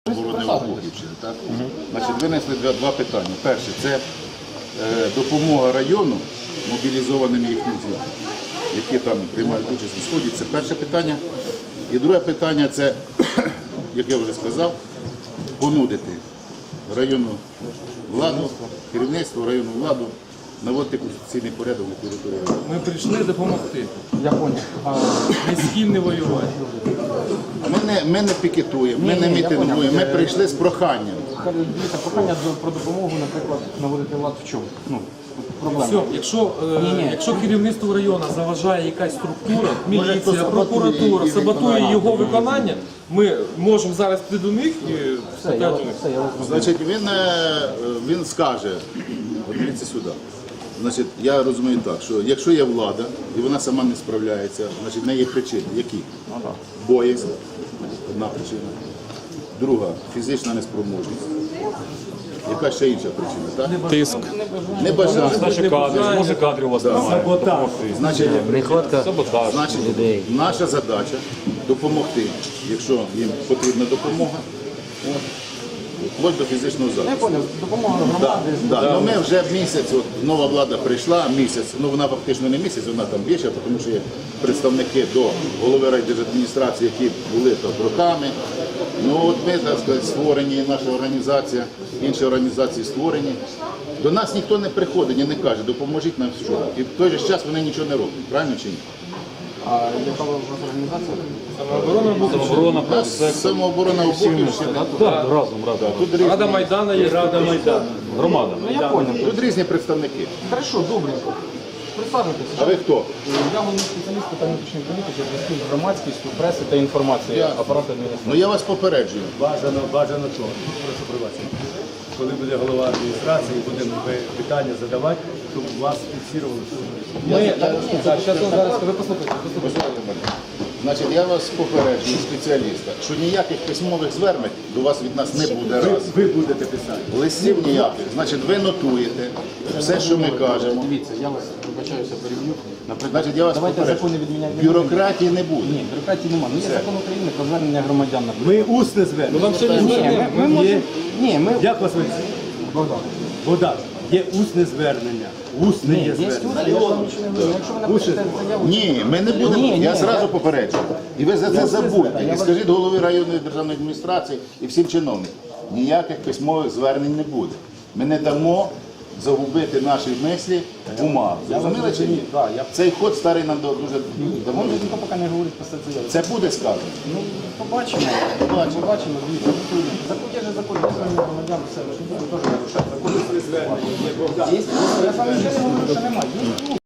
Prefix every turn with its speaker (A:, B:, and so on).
A: оборони Луганщини, так? Значить, винесли два питання. Перше, це допомога району мобілізованим їхнім з'явам, які там приймають участь у Сході. Це перше питання. І друге питання – це, як я вже сказав, понудити районну владу, керівництво районну владу наводити конституційний порядок на території району.
B: Ми прийшли допомогти.
C: Я понял.
B: Ні з ким не воювати.
A: Ми не пікетуємо, ми не мітингуємо, ми прийшли з проханням.
C: Дивіться, прохання про допомогу, наприклад, наводити лад в чому? Проблема.
B: Все, якщо керівництво району заважає якась структура, міліція, прокуратура, саботує його виконання, ми можемо зараз піти до них і спитати у них.
A: Значить, він скаже, от дивіться сюди. Значить, я розумію так, що якщо є влада і вона сама не справляється, значить в неї є причини. Які? Боязнь, одна причина. Друга фізична неспроможність. Яка ще інша причина, так?
D: Тиск.
A: Небажання.
D: Може кадрів у вас немає.
A: Значить,
D: Саботаж.
A: значить, наша задача допомогти, якщо їм потрібна допомога, вплоть до фізичного
C: Я
A: захисту.
C: понял, допомога громади.
A: Ну, ми вже місяць, от, нова влада прийшла, місяць, ну вона фактично не місяць, вона там більше, тому що є представники до голови райдержадміністрації, які були там роками. Ну от ми, так сказати, створені, наша організація, інші організації створені. До нас ніхто не приходить і не каже, допоможіть нам що. І в той же час вони нічого не роблять, правильно чи ні?
C: А яка у вас організація?
D: Самооборона,
A: Самооборона Обухівщини.
D: разом.
A: Тут різні,
B: Рада Майдана є. Рада Майдану.
D: Громада.
C: Ну я понял.
A: тут різні представники.
C: Хорошо, добренько. Присаджуйтесь.
A: А ви хто?
C: Я головний спеціаліст питань внутрішньої політики, зв'язку з громадськістю, преси та інформації апарату адміністрації.
A: Ну я вас попереджую.
E: Бажано що? Прошу пробачення. Коли буде голова адміністрації, будемо питання задавати, щоб вас фіксували.
C: Ви послухайте.
A: Значить, я вас попереджую, спеціаліста, що ніяких письмових звернень до вас від нас не буде раз.
E: Ви будете писати.
A: Листів ніяких. Значить, ви нотуєте все, що ми кажемо.
C: Дивіться, я вас вибачаюся, переб'ю.
A: Значить, я вас
C: Давайте
A: попереджую.
C: закони відміняти.
A: Бюрократії не буде.
C: Ні, бюрократії немає. Ну, є закон України про звернення громадян.
E: Ми усне звернення.
B: Вам сьогодні
C: Ми можемо... Ні, ми...
E: Як вас звати?
C: Богдан.
E: Богдан, є усне звернення. Усне є
C: Є
E: звернення.
C: я ж вам нічого не говорю. Якщо ви напишете заяву...
A: Ні, ми не будемо.
C: Ні,
A: Я
C: ні,
A: зразу
C: я-
A: попереджую. І ви за це забудьте. І скажіть голові районної державної адміністрації і всім чиновникам. Ніяких письмових звернень не буде. Ми не дамо загубити наші мислі в умах. Зрозуміли чи ні? Цей ход старий нам дуже давно.
C: Може, ніхто поки не говорить про це заяву.
A: Це буде сказано.
C: Ну, побачимо. Побачимо, дивіться. Закон є же закон, є звернення громадян, все. Ви ж не будете теж нарушати закон. Є, я сам нічого не говорю, що немає. Є